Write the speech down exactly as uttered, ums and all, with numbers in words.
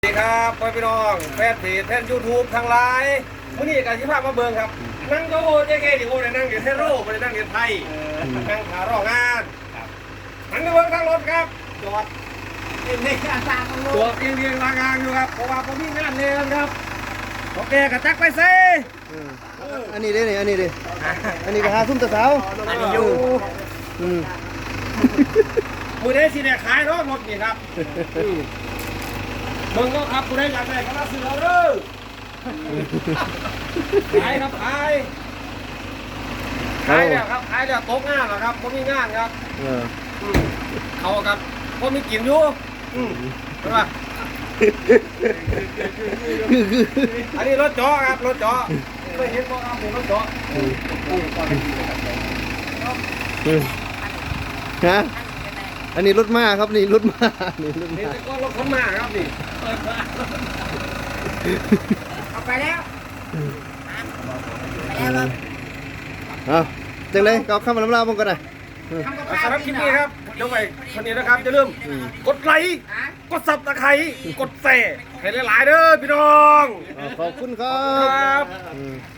สวัสดีครับพี่น้องแฟนเพจแฟนยูทูบทางไลน์วันนี้การที่ภาพมาเบิงครับนั่งโต๊ะเจ๊เก๋ดิโอเนี่ยนั่งเรียนเทโร่ไม่ได้นั่งเรียนไทยนั่งขารองานนั่งไปเบิงทางรถครับจอดในการทางรถจอดเรียงเรียงรางานอยู่ครับเพราะว่าผมมีงานเรียนครับโอเคกระจักไปเซ่อันนี้ดิอันนี้ดิอันนี้ก็หาซุ่มตะเสาอันนี้อยู่อืมมือได้สิเนี่ยขายรถรถนี่ครับเบิงก็ครับมือได้อยากได้ก็มาซื้อเอาเด้อขายครับขายขายแล้วครับขายแล้วตกงานแล้วครับผมมีงานครับเออเขาครับผมมีกินอยู่อืมใช่ปะคือคืออันนี้รถเจาะครับรถเจาะเคยเห็นบ่ครับนี่รถเจาะฮะอันนี้รถม้าครับนี่รถม้านี่รถนี่ม้าก็รถขนมาครับนี่เอาไปแล้วไปแล้วเอาจังเลยก็เข้ามาลำลาบงกันนะทำกับสำข้าวหรับคลิปนี้ครับเดี๋ยวไปคนนี้นะครับจะลืมกดไลค์กดซับตะไคร้กดแชร์ให้หลายๆเด้อพี่น้องขอบคุณครัครับ บอืม